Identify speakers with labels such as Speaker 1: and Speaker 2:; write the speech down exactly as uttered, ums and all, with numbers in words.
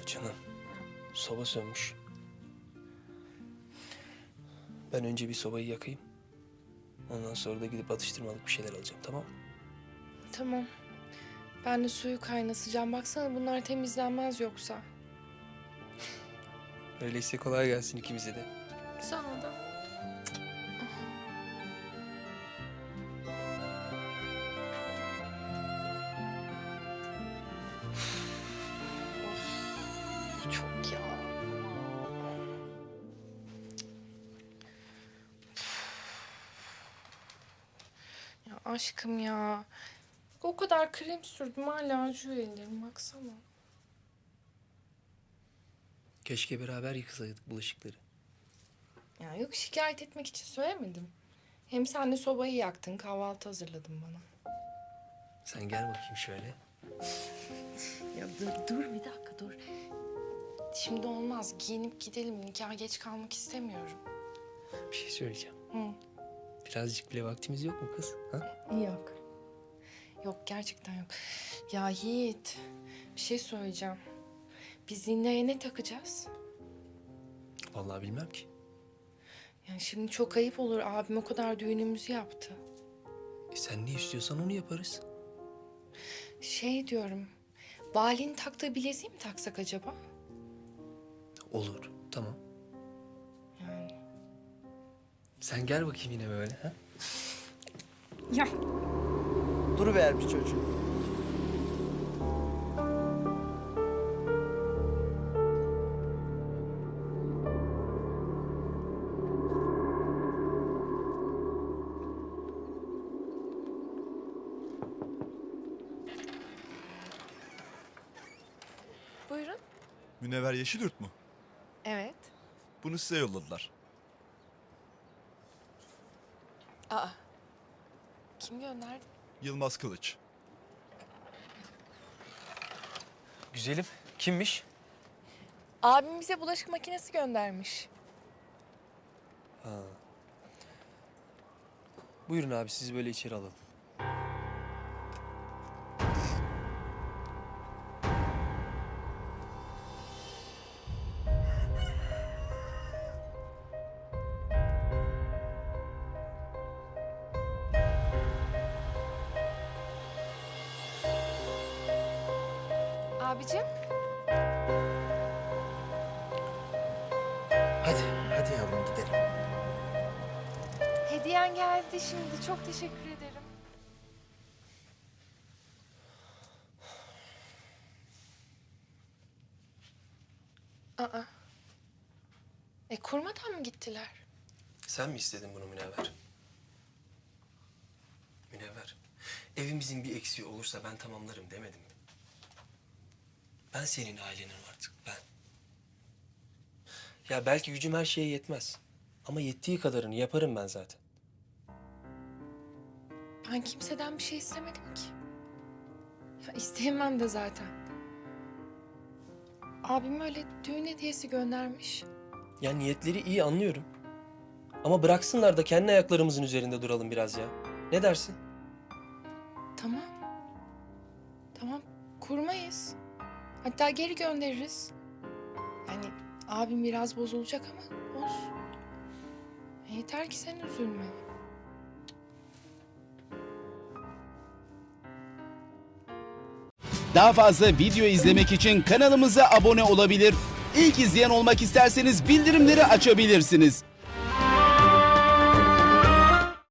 Speaker 1: Canım, soba sönmüş. Ben önce bir sobayı yakayım. Ondan sonra da gidip atıştırmalık bir şeyler alacağım, tamam mı?
Speaker 2: Tamam. Ben de suyu kaynatacağım. Baksana bunlar temizlenmez yoksa.
Speaker 1: Öyleyse kolay gelsin ikimize de.
Speaker 2: Sana da. Of, çok ya. Ya aşkım ya. O kadar krem sürdüm hala acıyor ellerim baksana.
Speaker 1: Keşke beraber yıkasaydık bulaşıkları.
Speaker 2: Ya yok şikayet etmek için söylemedim. Hem sen de sobayı yaktın, kahvaltı hazırladın bana.
Speaker 1: Sen gel bakayım şöyle.
Speaker 2: Ya dur, dur bir dakika dur. Şimdi olmaz. Giyinip gidelim. Nikaha geç kalmak istemiyorum.
Speaker 1: Bir şey söyleyeceğim.
Speaker 2: Hı.
Speaker 1: Birazcık bile vaktimiz yok mu kız? Ha?
Speaker 2: Yok. Yok gerçekten yok. Ya Yiğit, bir şey söyleyeceğim. Biz Ninna'ya ne takacağız?
Speaker 1: Vallahi bilmem ki.
Speaker 2: Yani şimdi çok ayıp olur. Abim o kadar düğünümüzü yaptı.
Speaker 1: E sen ne istiyorsan onu yaparız.
Speaker 2: Şey diyorum. Bali'nin taktığı bileziği mi taksak acaba?
Speaker 1: Olur, tamam.
Speaker 2: Yani.
Speaker 1: Sen gel bakayım yine böyle, ha?
Speaker 2: Ya.
Speaker 3: Duruvermiş çocuğum.
Speaker 2: Buyurun.
Speaker 4: Münevver Yeşilyurt mu?
Speaker 2: Evet.
Speaker 4: Bunu size yolladılar.
Speaker 2: Aa. Kim gönderdi?
Speaker 4: Yılmaz Kılıç.
Speaker 1: Güzelim, kimmiş?
Speaker 2: Abim bize bulaşık makinesi göndermiş.
Speaker 1: Ha. Buyurun abi, sizi böyle içeri alalım.
Speaker 2: Abicim.
Speaker 3: Hadi, hadi yavrum gidelim.
Speaker 2: Hediyen geldi şimdi. Çok teşekkür ederim. Aa. E kurmadan mı gittiler?
Speaker 1: Sen mi istedin bunu Münevver? Münevver, evimizin bir eksiği olursa ben tamamlarım demedim mi? Ben senin ailenim artık, ben. Ya belki gücüm her şeye yetmez. Ama yettiği kadarını yaparım ben zaten.
Speaker 2: Ben kimseden bir şey istemedim ki. Ya isteyemem de zaten. Abim öyle düğün hediyesi göndermiş.
Speaker 1: Ya niyetleri iyi anlıyorum. Ama bıraksınlar da kendi ayaklarımızın üzerinde duralım biraz ya. Ne dersin?
Speaker 2: Tamam. Tamam kurmayız. Hatta geri göndeririz. Yani abim biraz bozulacak ama olsun. Yeter ki sen üzülme.
Speaker 5: Daha fazla video izlemek için kanalımıza abone olabilir. İlk izleyen olmak isterseniz bildirimleri açabilirsiniz.